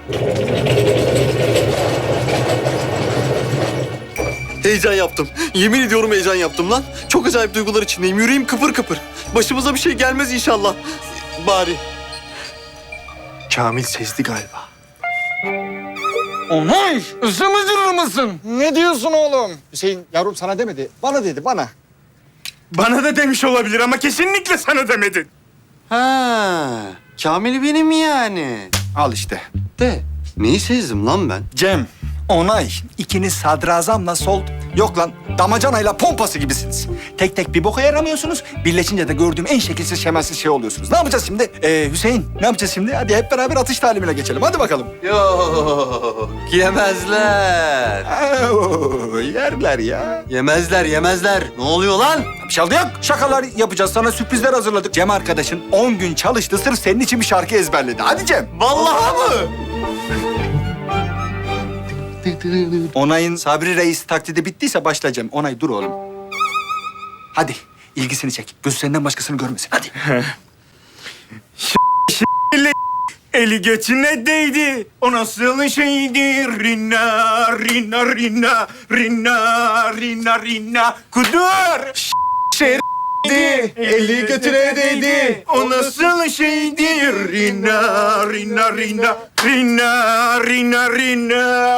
Heyecan yaptım. Yemin ediyorum heyecan yaptım lan. Çok acayip duygular içindeyim. Yüreğim kıpır kıpır. Başımıza bir şey gelmez inşallah. Bari. Kamil sezdi galiba. Onay, ısımızır mısın? Ne diyorsun oğlum? Hüseyin yavrum sana demedi, bana dedi, bana. Bana da demiş olabilir ama kesinlikle sana demedin. Ha, Kamil benim yani. Al işte. De, neyi sezdim lan ben? Cem, Onay, ikiniz sadrazamla sol... Yok lan, damacanayla pompası gibisiniz. Tek tek bir boka yaramıyorsunuz. Birleşince de gördüğüm en şekilsiz şemelsiz şey oluyorsunuz. Ne yapacağız şimdi? Hüseyin, ne yapacağız şimdi? Hadi hep beraber atış talimine geçelim. Hadi bakalım. Yok, yemezler. Yerler ya. Yemezler, yemezler. Ne oluyor lan? Bir şey oldu yok. Şakalar yapacağız. Sana sürprizler hazırladık. Cem arkadaşın 10 gün çalıştı. Sırf senin için bir şarkı ezberledi. Hadi Cem. Vallahi mı? Onay'ın Sabri Reis taklidi bittiyse başla Cem. Onay dur oğlum. Hadi ilgisini çek. Gözü senden başkasını görmesin. Hadi. Eli götüne değdi. O nasıl şeydi? Rina, rina, rina, rina, rina, rina. Kudur. Eli götüne değdi. O nasıl şeydi? Rina, rina, rina, rina, rina, rina.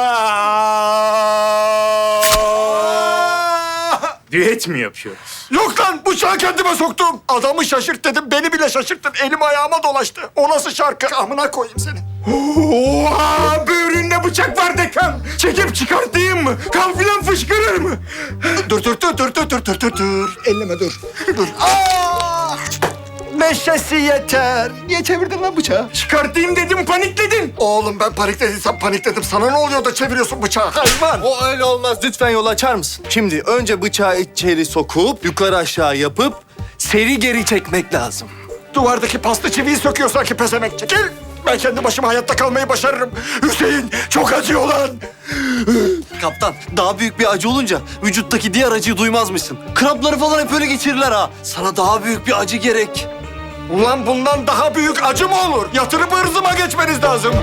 Düet mi yapıyoruz? Yok lan bıçağı kendime soktum. Adamı şaşırt dedim. Beni bile şaşırttın. Elim ayağıma dolaştı. O nasıl şarkı? Amına koyayım seni. Oha! Böğründe bıçak var dekan. Çekip çıkartayım mı? Kan filan fışkırır mı? Dur. Elleme dur. Dur. Aa! Meşesi yeter. Niye çevirdin lan bıçağı? Çıkartayım dedim, panikledin. Oğlum ben paniklediysem panikledim. Sana ne oluyor da çeviriyorsun bıçağı? Hayvan. O öyle olmaz. Lütfen yol açar mısın? Şimdi önce bıçağı içeri sokup, yukarı aşağı yapıp, seri geri çekmek lazım. Duvardaki pasta çiviyi söküyor sanki pezemek. Çekil. Ben kendi başıma hayatta kalmayı başarırım. Hüseyin çok acıyor lan. Kaptan, daha büyük bir acı olunca vücuttaki diğer acıyı duymazmışsın. Krampları falan hep öyle geçirirler ha. Sana daha büyük bir acı gerek. Ulan bundan daha büyük acı mı olur? Yatırıp ırzıma geçmeniz lazım.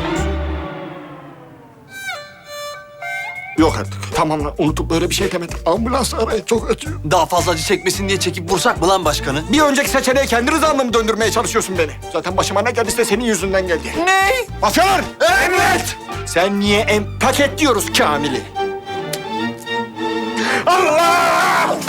Yok artık. Tamam lan unutup böyle bir şey demedim. Ambulans arayın çok acıyor. Daha fazla acı çekmesin diye çekip vursak mı lan başkanı? Bir önceki seçeneğe kendi rızanla mı döndürmeye çalışıyorsun beni? Zaten başıma ne geldiyse senin yüzünden geldi. Ne? Mafyalar! Emret! Sen niye paketliyoruz Kamil'i? Allah!